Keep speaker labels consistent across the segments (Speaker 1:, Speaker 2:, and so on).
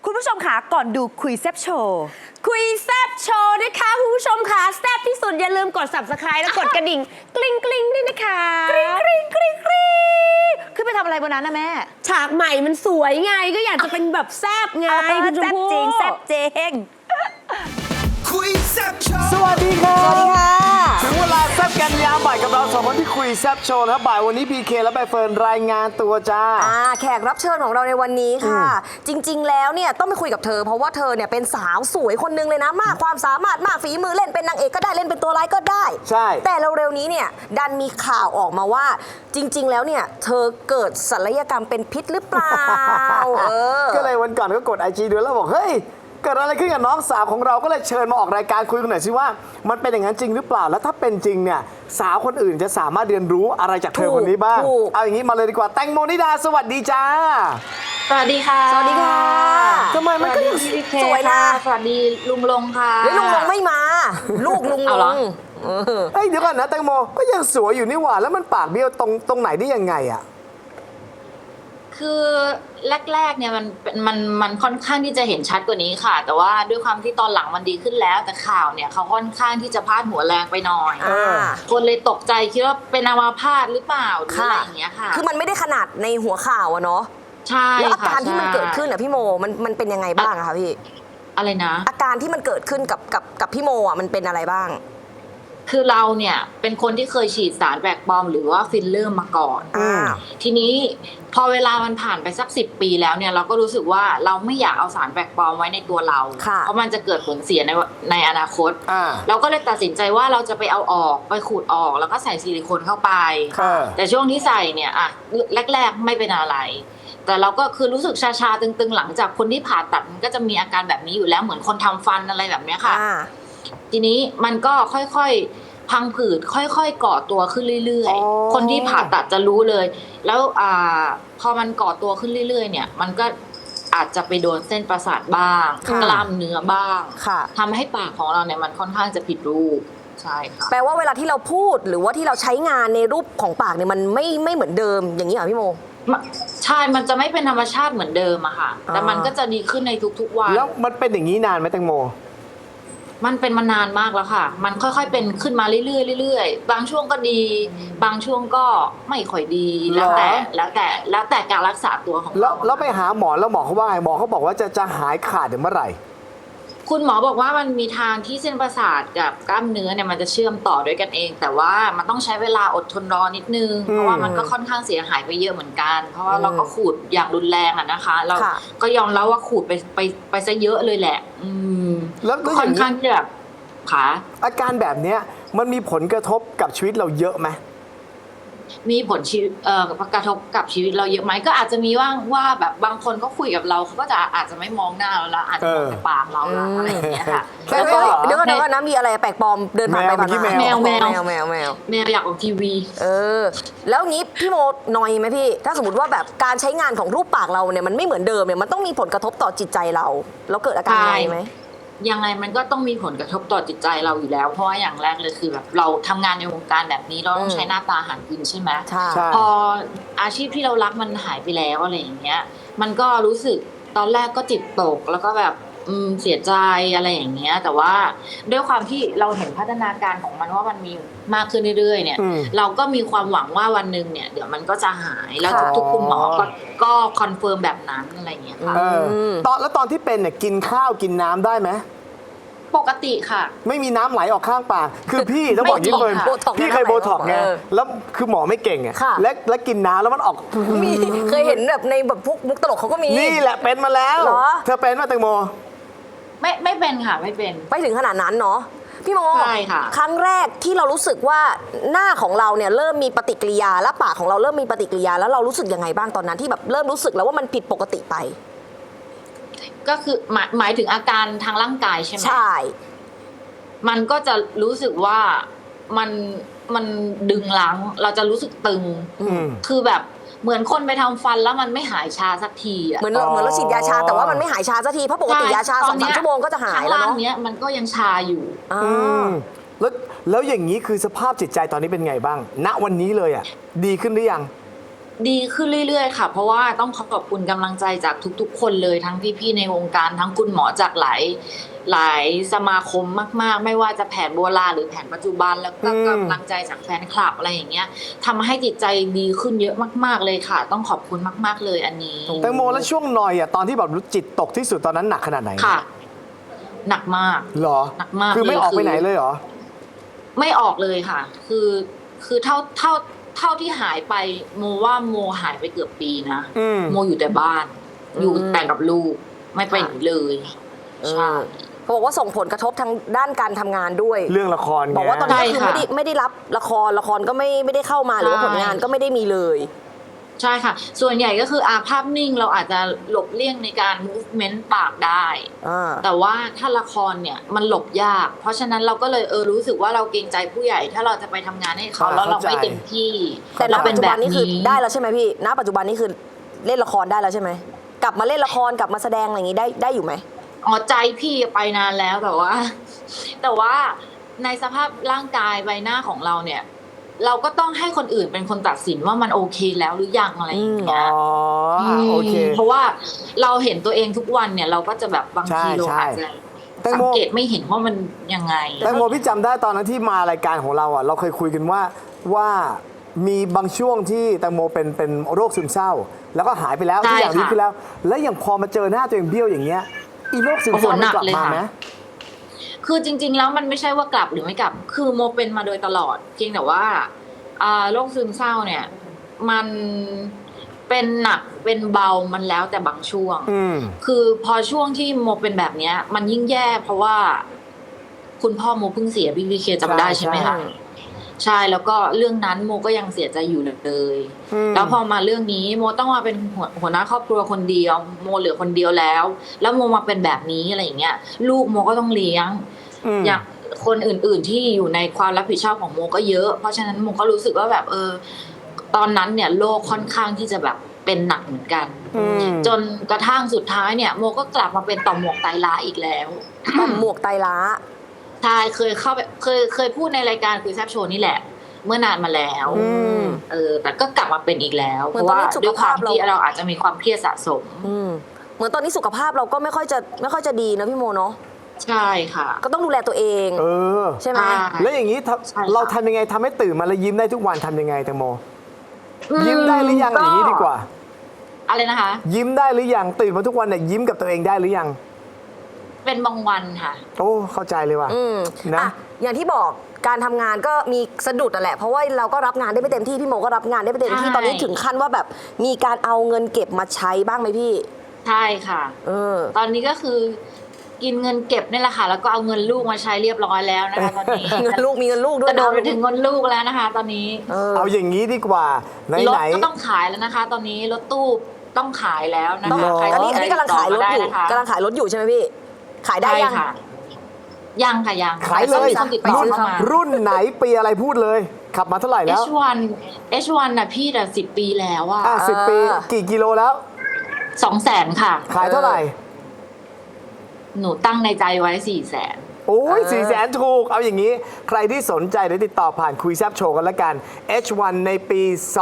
Speaker 1: คุณผู้ชมคะก่อนดูคุยแซบโชว์
Speaker 2: คุยแซบโชว์นะคะคุณผู้ชมค่ะแซบที่สุดอย่าลืมกด subscribe แล้วกดกระดิ่งกริ๊งกริ๊งด้วยนะคะ
Speaker 1: กริ๊งกริ๊งกริ๊งกริ๊งขึ้นไปทำอะไรบนนั้นนะแม่
Speaker 2: ฉากใหม่มันสวยไงก็อยากจะเป็นแบบแซบไงคุณชมพู่
Speaker 1: แซบจริงแซบจริง
Speaker 3: คุยแซ่บโชว์
Speaker 4: สวัสดีครับ
Speaker 1: สวัสดีค่ะ
Speaker 4: ถึงเวลาแซ่บกันยามบ่ายกับเราสองคนที่คุยแซ่บโชว์นะครับบ่ายวันนี้พีเคและใบเฟิร์นรายงานตัวจ้า
Speaker 1: แขกรับเชิญของเราในวันนี้ค่ะ จริง ๆ แล้วเนี่ยต้องไปคุยกับเธอ เพราะว่าเธอเนี่ยเป็นสาวสวยคนนึงเลยนะ มากความสามารถมากฝีมือเล่นเป็นนางเอกก็ได้เล่นเป็นตัวร้ายก็ได้
Speaker 4: ใช่
Speaker 1: แต่เร็วๆนี้เนี่ยดันมีข่าวออกมาว่า จริง ๆ แล้วเนี่ยเธอเกิดศัลยกรรมเป็นพิษหรือเปล่า
Speaker 4: ก็เลยวันก่อนก็กดไอจีดูแล้วบอกเฮ้ยเกิดอะไรขึ้นกับน้องสาวของเราก็เลยเชิญมาออกรายการคุยกันหน่อยสิว่ามันเป็นอย่างนั้นจริงหรือเปล่าแล้วถ้าเป็นจริงเนี่ยสาวคนอื่นจะสามารถเรียนรู้อะไรจากเธอคนนี้บ้าง
Speaker 1: ถูก
Speaker 4: เอาอย่างนี้มาเลยดีกว่าแตงโมนิดาสวัสดีจ้า
Speaker 5: สวัสดีค่ะ
Speaker 1: สวัสดีค่ะ
Speaker 4: ทำไมมันก็ยัง
Speaker 5: พี่เค
Speaker 1: สวยนะ
Speaker 5: ค่สวัสดีลุงลงค่ะ
Speaker 1: เฮ้ยลุงลงไม่มา ลูกลุงล
Speaker 5: เอาเหรอ
Speaker 1: ง
Speaker 4: เฮ้ยเดี๋ยวก่อนนะแตงโมก็ยังสวยอยู่นี่หว่าแล้วมันปากเบี้ยวตรงไหนได้ยังไงอะ
Speaker 5: คือแรกๆเนี่ยมันค่อนข้างที่จะเห็นชัดกว่านี้ค่ะ แต่ว่าด้วยความที่ตอนหลังมันดีขึ้นแล้ว แต่ข่าวเนี่ยเขาค่อนข้างที่จะพาดหัวแรงไปหน่อย คนเลยตกใจคิดว่าเป็นอัมาพาตหรือเปล่าหรืออะไรอย่างเงี้ยค่ะ
Speaker 1: คือมันไม่ได้ขนาดในหัวข่าวอะเนาะ
Speaker 5: ใช่
Speaker 1: แล้วอา
Speaker 5: ค่ะ
Speaker 1: การที่มัน
Speaker 5: ใช่
Speaker 1: เกิดขึ้นอะพี่โมมันเป็นยังไงบ้างอะคะพี่
Speaker 5: อะไรนะ
Speaker 1: อาการที่มันเกิดขึ้นกับพี่โมอะมันเป็นอะไรบ้าง
Speaker 5: คือเราเนี่ยเป็นคนที่เคยฉีดสารแปลกปลอมหรือว่าฟิลเลอร์มาก่อน ทีนี้พอเวลามันผ่านไปสัก10 ปีแล้วเนี่ยเราก็รู้สึกว่าเราไม่อยากเอาสารแปลกปลอมไว้ในตัวเรา
Speaker 1: ค่ะ
Speaker 5: เพราะมันจะเกิดผลเสียในอนาคต
Speaker 4: อ่า
Speaker 5: เราก็เลยตัดสินใจว่าเราจะไปเอาออกไปขูดออกแล้วก็ใส่ซิลิโคนเข้าไป
Speaker 4: ค่ะ
Speaker 5: แต่ช่วงที่ใส่เนี่ยอะแรกๆไม่เป็นอะไร แต่เราก็คือรู้สึกชาๆตึงๆหลังจากคนที่ผ่าตัดมันก็จะมีอาการแบบนี้อยู่แล้วเหมือนคนทำฟันอะไรแบบเนี้ยค่ะ ทีนี้มันก็ค่อยๆพังผืดค่อยๆก่อตัวขึ้นเรื่อย
Speaker 4: อ๋อ
Speaker 5: ๆ คนที่ผ่าตัดจะรู้เลย แล้วพอมันก่อตัวขึ้นเรื่อยๆเนี่ยมันก็อาจจะไปโดนเส้นประสาทบ้าง
Speaker 1: ค่ะ
Speaker 5: กล้ามเนื้อบ้าง
Speaker 1: ค่ะ
Speaker 5: ทำให้ปากของเราเนี่ยมันค่อนข้างจะผิดรูปใช่ค่ะ
Speaker 1: แปลว่าเวลาที่เราพูดหรือว่าที่เราใช้งานในรูปของปากเนี่ยมันไม่เหมือนเดิมอย่างนี้เหรอพี่โม
Speaker 5: ใช่ มันจะไม่เป็นธรรมชาติเหมือนเดิมอะค่ะ แต่มันก็จะดีขึ้นในทุกๆวัน
Speaker 4: แล้วมันเป็นอย่างนี้นานไหมแตงโม
Speaker 5: มันเป็นมานานมากแล้วค่ะ มันค่อยๆเป็นขึ้นมาเรื่อยๆเรื่อยๆ บางช่วงก็ดี บางช่วงก็ไม่ค่อยดี แล้วแต่การรักษาตัวของ
Speaker 4: แล้ว
Speaker 5: เรา
Speaker 4: แล้วไปหาหมอแล้วหมอเขาว่าไงหมอเขาบอกว่าจะหายขาดเมื่อไหร่
Speaker 5: คุณหมอบอกว่ามันมีทางที่เส้นประสาทกับกล้ามเนื้อเนี่ยมันจะเชื่อมต่อด้วยกันเอง แต่ว่ามันต้องใช้เวลาอดทนรอนิดนึง เพราะว่ามันก็ค่อนข้างเสียหายไปเยอะเหมือนกัน เพราะว่าเราก็ขูดอย่างรุนแรงอะนะคะ เรา
Speaker 1: ค่ะ
Speaker 5: ก็ยอมรับว่าขูดไปซะเยอะเลยแหละ
Speaker 4: แล้ว
Speaker 5: ก็ค่อนข้างที่แบบขา
Speaker 4: อาการแบบเนี้ยมันมีผลกระทบกับชีวิตเราเยอะไหม
Speaker 5: มีผลกระทบกับชีวิตเราเยอะไหมก็อาจจะมีว่าแบบบางคนก็คุยกับเราเขาก็จะอาจจะไม่มองหน้าเราละอาจจะมองแต่ปากเราละอะไรอย่างเงี้ยค่ะ
Speaker 4: แล้วก็
Speaker 1: เดี๋ยวก่อนนะมีอะไรแปลกปลอมเดินผ่านไปผ่านมา
Speaker 5: แมว
Speaker 1: แมว
Speaker 5: แมวอยากออกทีวี
Speaker 1: แล้วงี้พี่โมนอยไหมพี่ ถ้าสมมติว่าแบบการใช้งานของรูปปากเราเนี่ยมันไม่เหมือนเดิมเนี่ยมันต้องมีผลกระทบต่อจิตใจเราแล้วเกิดอาการนอยไหม
Speaker 5: ยังไงมันก็ต้องมีผลกระทบต่อจิตใจเราอยู่แล้ว เพราะว่าอย่างแรกเลยคือแบบเราทำงานในวงการแบบนี้เราต้องใช้หน้าตาหากินใช่ไหม
Speaker 1: ใช่
Speaker 5: พออาชีพที่เรารักมันหายไปแล้วอะไรอย่างเงี้ยมันก็รู้สึกตอนแรกก็จิตตกแล้วก็แบบเสียใจอะไรอย่างเงี้ยแต่ว่าด้วยความที่เราเห็นพัฒนาการของมันว่ามันมีมากขึ้นเรื่อยๆเนี่ยเราก็มีความหวังว่าวันหนึ่งเนี่ยเดี๋ยวมันก็จะหายแล้วทุกๆคุณหมอก็คอนเฟิร์มแบบนั้นอะไรอย่างเงี้ยค่ะ
Speaker 4: ตอนที่เป็นเนี่ยกินข้าวกินน้ำได้ไหม
Speaker 5: ปกติค่ะ
Speaker 4: ไม่มีน้ำไหลออกข้างปากคือพี่ต้องบอกอยิ่างนี้เลย
Speaker 1: โบท็อกซ์
Speaker 4: พี่เคยโบท็อกซ์ไง
Speaker 1: เออ
Speaker 4: แล้วคือหมอไม่เก่งไง
Speaker 1: ค่ะ
Speaker 4: และกินน้ำแล้วมันออก
Speaker 1: มีเคยเห็นแบบในแบบพวกมุกตลกเขาก็มี
Speaker 4: นี่แหละเป็นมาแล้ว
Speaker 1: เหรอ
Speaker 4: เธอเป็นมาแตงโม
Speaker 5: ไม่เป็นค่ะไม่เป็น
Speaker 1: ไปถึงขนาดนั้นเนาะพี่โม
Speaker 5: ใช่ค่ะ
Speaker 1: ครั้งแรกที่เรารู้สึกว่าหน้าของเราเนี่ยเริ่มมีปฏิกิริยาและปากของเราเริ่มมีปฏิกิริยาแล้วเรารู้สึกยังไงบ้างตอนนั้นที่แบบเริ่มรู้สึกแล้วว่ามันผิดปกติไป
Speaker 5: ก็คือหมายถึงอาการทางร่างกายใช่ไหม
Speaker 1: ใช่
Speaker 5: มันก็จะรู้สึกว่ามันดึงรั้งเราจะรู้สึกตึง คือแบบเหมือนคนไปทำฟันแล้วมันไม่หายชาสักทีอ่ะ
Speaker 1: เหมือนเราฉีดยาชาแต่ว่ามันไม่หายชาสักทีเพราะปกติยาชา 2-3 ชั่วโมงก็จะหายแล้ว
Speaker 5: ข้าง
Speaker 1: เนาะ
Speaker 5: ล่างเนี้ยมันก็ยังชาอยู่
Speaker 4: แล้วอย่างนี้คือสภาพจิตใจตอนนี้เป็นไงบ้าง ณวันนี้เลยอ่ะดีขึ้นหรือยัง
Speaker 5: ดีขึ้นเรื่อยๆค่ะ เพราะว่าต้องขอบคุณกำลังใจจากทุกๆ คนเลยทั้งพี่ๆในวงการทั้งคุณหมอจากหลายสมาคมมากๆ ไม่ว่าจะแผนโบราณหรือแผนปัจจุบันแล้วก็กำลังใจจากแฟนคลับอะไรอย่างเงี้ยทำให้จิตใจดีขึ้นเยอะมากๆเลยค่ะ ต้องขอบคุณมากๆเลยอันนี้
Speaker 4: แตงโมแล้วช่วงหน่อยอ่ะตอนที่แบบจิตตกที่สุดตอนนั้นหนักขนาดไหน
Speaker 5: ค่ะ หนักมาก
Speaker 4: เหรอ
Speaker 5: หนักมาก
Speaker 4: คือไม่
Speaker 5: เลย
Speaker 4: ออกไป
Speaker 5: คือ
Speaker 4: ไหนเลยเหรอ
Speaker 5: ไม่ออกเลยค่ะ คือเท่าที่หายไปโมว่าโมหายไปเกือบปีนะ
Speaker 4: อืม
Speaker 5: โมอยู่แต่บ้าน อยู่แต่กับลูกไม่ไปไหนเลยใช่
Speaker 1: เขาบอกว่าส่งผลกระทบทางด้านการทำงานด้วย
Speaker 4: เรื่องละครไง
Speaker 1: บอกว่าตอนนี้คือ
Speaker 5: ใช่ค่ะ
Speaker 1: ไม่ได้รับละครก็ไม่ได้เข้ามาหรือว่า
Speaker 5: ใช่
Speaker 1: ผลงานก็ไม่ได้มีเลย
Speaker 5: ใช่ค่ะ ส่วนใหญ่ก็คือภาพนิ่งเราอาจจะหลบเลี่ยงในการ movement ปากได้ แต่ว่าถ้าละครเนี่ยมันหลบยาก เพราะฉะนั้นเราก็เลยรู้สึกว่าเราเกรงใจผู้ใหญ่ ถ้าเราจะไปทำงานให้เขาแล้วเราไม่เต็มที่
Speaker 1: แต่ณ
Speaker 5: เรา
Speaker 1: ปัจจุบันนี้คือได้แล้วใช่ไหมพี่ ณ ปัจจุบันนี้คือเล่นละครได้แล้วใช่ไหม กลับมาเล่นละครกลับมาแสดงอะไรอย่างงี้ได้อยู่ไหม
Speaker 5: อ๋อใจพี่ไปนานแล้วแต่ว่าในสภาพร่างกายใบหน้าของเราเนี่ย เราก็ต้องให้คนอื่นเป็นคนตัดสินว่ามันโอเคแล้วหรือยังอะไรอย่าง
Speaker 4: อ๋
Speaker 5: เงี้
Speaker 4: อย โอเค
Speaker 5: เพราะว่าเราเห็นตัวเองทุกวันเนี่ยเราก็จะแบบบางทีเรา
Speaker 4: ใช่
Speaker 5: อาจจะ
Speaker 4: แตงโม
Speaker 5: สังเกตไม่เห็นว่ามันยังไง
Speaker 4: แตงโมพี่จำได้ตอนนั้นที่มารายการของเราอ่ะเราเคยคุยกันว่ามีบางช่วงที่แตงโมเป็นโรคซึมเศร้า แล้วก็หายไปแล้ว
Speaker 5: ใช่
Speaker 4: ทุกอย่างดี
Speaker 5: ค่ะ
Speaker 4: ขึ้นแล้ว แล้วอย่างพอมาเจอหน้าตัวเองเบี้ยวอย่างเงี้ยอีโรคซึมเศร้า
Speaker 5: โอ้โหหนั
Speaker 4: มัน
Speaker 5: ก
Speaker 4: กลับ
Speaker 5: เลย
Speaker 4: มา
Speaker 5: ค่ะ
Speaker 4: ไหม
Speaker 5: คือจริง ๆ แล้วมันไม่ใช่ว่ากลับหรือไม่กลับ คือโมเป็นมาโดยตลอดเพียงแต่ว่าโรคซึมเศร้าเนี่ย มันเป็นหนักเป็นเบามันแล้วแต่บางช่วง
Speaker 4: อืม
Speaker 5: คือพอช่วงที่โมเป็นแบบเนี้ย มันยิ่งแย่เพราะว่า คุณพ่อโมเพิ่งเสียพี่วีเคจำได้ใช่ไหมคะ ใช่แล้วก็เรื่องนั้นโมก็ยังเสียใจอยู่เลย แล้วพอมาเรื่องนี้โมต้องมาเป็นหัวหน้าครอบครัวคนเดียว โมเหลือคนเดียวแล้ว แล้วโมมาเป็นแบบนี้อะไรอย่างเงี้ย ลูกโมก็ต้องเลี้ยง อย่างคนอื่นๆที่อยู่ในความรับผิดชอบของโมก็เยอะ เพราะฉะนั้นโมก็รู้สึกว่าแบบตอนนั้นเนี่ยโลกค่อนข้างที่จะแบบเป็นหนักเหมือนกัน จนกระทั่งสุดท้ายเนี่ยโมก็กลับมาเป็นต่อมหมวกไตล้าอีกแล้ว
Speaker 1: ต่อมหมวกไตล้า
Speaker 5: ใช่เคยเข้าไปเคยพูดในรายการคุยแซบโชว์นี่แหละ เมื่อนานมาแล้วแต่ก็กลับมาเป็นอีกแล้ว
Speaker 1: เห
Speaker 5: เพ
Speaker 1: มือน
Speaker 5: ราะ
Speaker 1: ตอน
Speaker 5: ว่า
Speaker 1: นี้สุข
Speaker 5: ด้วยความ
Speaker 1: ภาพเรา
Speaker 5: ที่เราอาจจะมีความเครียดสะสม
Speaker 1: เหมือนตอนนี้สุขภาพเราก็ไม่ค่อยจะดีนะพี่โมเนาะ
Speaker 5: ใช่ค่ะ
Speaker 1: ก็ต้องดูแลตัวเอง ใช่ไหม
Speaker 4: แล้วอย่างนี้
Speaker 5: ใช่ค่ะ
Speaker 4: เราทำยังไงทำให้ตื่นมาแล้วยิ้มได้ทุกวันทำยังไงแตงโม ยิ้มได้หรือยังอย่างนี้ดีกว่า
Speaker 5: อะไรนะคะ
Speaker 4: ยิ้มได้หรือยังตื่นมาทุกวันเนี่ยยิ้มกับตัวเองได้หรือยัง
Speaker 5: เป็นบางวันค่ะ
Speaker 4: โอ้เข้าใจเลยว่ะนะ
Speaker 1: อ่ะอย่างที่บอกการทำงานก็มีสะดุดนั่นแหละ เพราะว่าเราก็รับงานได้ไม่เต็มที่พี่โมก็รับงานได้ไม่เต็มที่
Speaker 5: ใช่
Speaker 1: ตอนนี้ถึงขั้นว่าแบบมีการเอาเงินเก็บมาใช้บ้างไหมพี่
Speaker 5: ใช่ค่ะ
Speaker 1: เออ
Speaker 5: ตอนนี้ก็คือ กินเงินเก็บนี่แหละค่ะ แล้วก็เอาเงินลูกมาใช้เรียบร้อยแล้วนะคะตอนนี้
Speaker 1: เงินลูกมีเงินลูกด้ว
Speaker 5: ก
Speaker 1: ย
Speaker 5: ระโดดไปถึงเงินลูกแล้วนะคะ ตอนนี้
Speaker 4: เอาอย่างนี้ดีกว่าไหน
Speaker 5: รถ
Speaker 4: ไหน
Speaker 5: ก็ต้องขายแล้วนะคะ ตอนนี้รถตู้ต้องขายแล้วนะ
Speaker 1: ต้อง
Speaker 5: คะใคร
Speaker 1: อัน
Speaker 5: ส
Speaker 1: นี้
Speaker 5: ใจ
Speaker 1: กำลังขายรถอยู่
Speaker 5: ติดต่มได้นะคะ
Speaker 1: กำลังขายรถอยู่ใช่ไหมพี่ ขายได้
Speaker 5: ใช่
Speaker 1: ยัง
Speaker 5: ค่ะ ยังค่ะยัง
Speaker 4: ขายเลย
Speaker 5: ต้องมีคนติดต่อ
Speaker 4: รุ่น
Speaker 5: เข้ามา
Speaker 4: รุ่นไหนปีอะไรพูดเลย ขับมาเท่าไหร่แล้ว
Speaker 5: H1 น่ะพี่แต่10 ปีแล้วอะ
Speaker 4: 10 ปีกี่กิโลแล้ว
Speaker 5: 200,000ค่ะ
Speaker 4: ขายเท่าไหร่
Speaker 5: หนูตั้งในใจไว้400,000
Speaker 4: โอ้ย400,000ถูก เอาอย่างนี้ ใครที่สนใจเดี๋ยวติดต่อผ่านคุยแซบโชว์กันละกัน H1 ในปี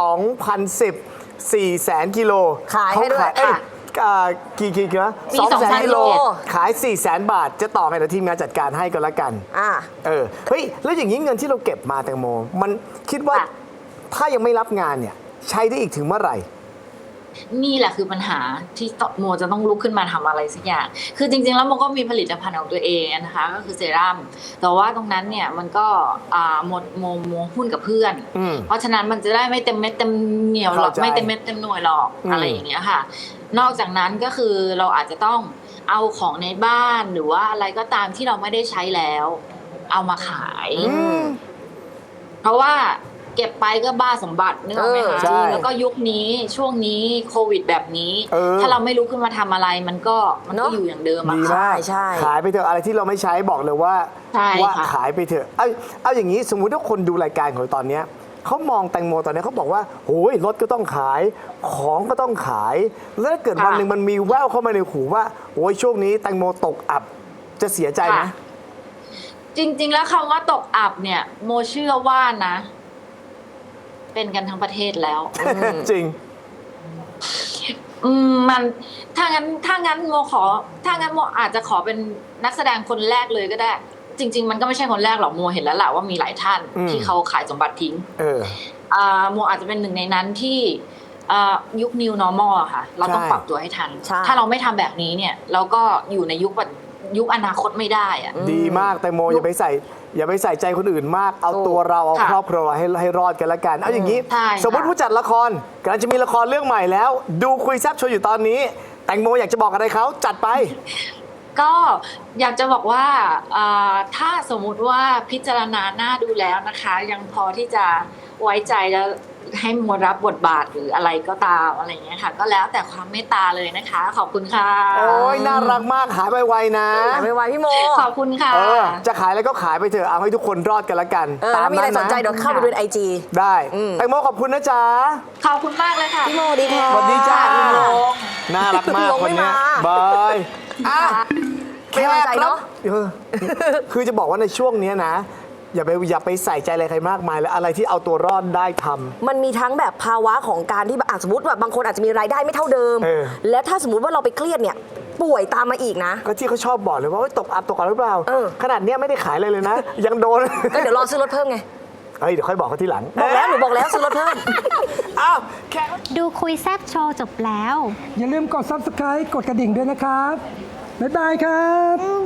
Speaker 4: 2010 400,000 กิโล
Speaker 1: ขายให้ด้วย
Speaker 4: เอ้กี่กิโลนะ
Speaker 5: ปี
Speaker 4: 200,000 กิโล
Speaker 1: 200,000
Speaker 4: ขาย 400,000 บาท จะต่อให้ทีมงานจัดการให้ก็แล้วกัน เฮ้ย แล้วอย่างนี้เงินที่เราเก็บมาแตงโม มันคิดว่า
Speaker 5: ค่ะ
Speaker 4: ถ้ายังไม่รับงานเนี่ย ใช้ได้อีกถึงเมื่อไหร่
Speaker 5: นี่แหละคือปัญหาที่โมจะต้องลุกขึ้นมาทำอะไรสักอย่าง คือจริงๆแล้วโมก็มีผลิตภัณฑ์ของตัวเองนะคะ ก็คือเซรั่ม แต่ว่าตรงนั้นเนี่ยมันก็หมดโมหุ้นกับเพื่อน เพราะฉะนั้นมันจะได้ไม่เต็มเม็ดเต็มเหนียวหรอก
Speaker 4: เข้าใจ
Speaker 5: ไม่เต็มเม็ดเต็มหน่วยหรอกอะไรอย่างเงี้ยค่ะ นอกจากนั้นก็คือเราอาจจะต้องเอาของในบ้านหรือว่าอะไรก็ตามที่เราไม่ได้ใช้แล้ว เอามาขาย เพราะว่าเก็บไปก็บ้าสมบัตินึกออกไหมคะ
Speaker 4: ใช่
Speaker 5: แล้วก็ยุคนี้ช่วงนี้โควิดแบบนี้
Speaker 4: เ
Speaker 5: ถ้าเราไม่ลุกขึ้นมาทำอะไรมันก็
Speaker 1: เนอะ
Speaker 5: อยู่อย่างเดิมอะ
Speaker 4: ดี
Speaker 5: ค่ะ
Speaker 4: มาก
Speaker 1: ใช่
Speaker 4: ขายไปเถอะอะไรที่เราไม่ใช้บอกเลยว่า
Speaker 5: ใช่
Speaker 4: ว่า
Speaker 5: ค่ะ
Speaker 4: ขายไปเถอะเอาอย่างนี้สมมุติว่าคนดูรายการของเราตอนเนี้ยเขามองแตงโมตอนนี้เขาบอกว่าโอ้ยรถก็ต้องขายของก็ต้องขาย แล้วถ้าเกิดวันหนึ่งมันมีแววเข้ามาในหูว่าโอ้ยช่วงนี้แตงโมตกอับจะเสียใจไหม
Speaker 5: ค่ะ จริง ๆ แล้วคำว่าตกอับเนี่ย โมเชื่อว่านะ เป็นกันทั้งประเทศแล้ว
Speaker 4: จริง
Speaker 5: มันถ้างั้นโมอาจจะขอเป็นนักแสดงคนแรกเลยก็ได้ จริง ๆ มันก็ไม่ใช่คนแรกหรอกโมเห็นแล้วแหละว่ามีหลายท่านที่เขาขายสมบัติทิ้งโมอาจจะเป็นหนึ่งในนั้นที่ยุค New Normal อะค่ะเราต้องปรับตัวให้ทัน ถ้าเราไม่ทำแบบนี้เนี่ยเราก็อยู่ในยุคอนาคตไม่ได้อะ
Speaker 4: ดีมากแต่โมอย่าไปใส่ใจคนอื่นมากเอาตัวเราเอาครอบครัวให้รอดกันละกันเอาอย่างนี้ สมมติผู้จัดละครกำลังจะมีละครเรื่องใหม่แล้ว ดูคุยแซ่บโชว์อยู่ตอนนี้ แตงโมอยากจะบอกอะไรเขาจัดไป
Speaker 5: ก็อยากจะบอกว่าถ้าสมมุติว่าพิจารณาหน้าดูแล้วนะคะ ยังพอที่จะไว้ใจแล้วให้โมรับบทบาทหรืออะไรก็ตามอะไรอย่างเงี้ยค่ะ ก็แล้วแต่ความเมตตาเลยนะคะ ขอบคุณค่ะ
Speaker 4: โอ้ยน่ารักมากหายไวๆนะ
Speaker 1: หายไวๆพี่โม
Speaker 5: ขอบคุณค่ะ
Speaker 4: จะขายอะไรก็ขายไปเถอะเอาให้ทุกคนรอดกันละกัน
Speaker 1: ถ้ามีอะไรสนใจเดี๋ยวเข้าไปดูใน IG
Speaker 4: ได้แตงโมขอบคุณนะจ๊ะ
Speaker 5: ขอบคุณมากเลยค่ะ
Speaker 1: พี่โมดีค่ะ
Speaker 4: สวัสดีจ้า
Speaker 1: พี่โม
Speaker 4: น่ารักมาก
Speaker 1: ลง
Speaker 4: ค
Speaker 1: ไม่
Speaker 4: นเนี้ย
Speaker 1: มา
Speaker 4: บาย
Speaker 1: เป็นกำลังใจเนอะ
Speaker 4: คือจะบอกว่าในช่วงเนี้ยนะ อย่าไปใส่ใจอะไรใครมากมายแล้วอะไรที่เอาตัวรอดได้ทำ
Speaker 1: มันมีทั้งแบบภาวะของการที่แบบสมมติแบบบางคนอาจจะมีรายได้ไม่เท่าเดิม และถ้าสมมติว่าเราไปเครียดเนี่ยป่วยตามมาอีกนะ
Speaker 4: ก็ที่เขาชอบบอกเลยว่าเฮ้ยตกอับหรือเปล่า ขนาดเนี้ยไม่ได้ขายอะไรเลยนะ ยังโดน
Speaker 1: ก็เดี๋ยวรอซื้อรถเพิ่มไง
Speaker 4: เฮ้ยเดี๋ยวค่อยบอกเขาทีหลัง
Speaker 1: หนูบอกแล้วซื้อรถเพิ่ม
Speaker 4: อ้าวแค่
Speaker 6: ดูคุยแซบโชว์จบแล้ว
Speaker 7: อย่าลืมกด Subscribe กดกระดิ่งด้วยนะครับ บ๊ายบายครับ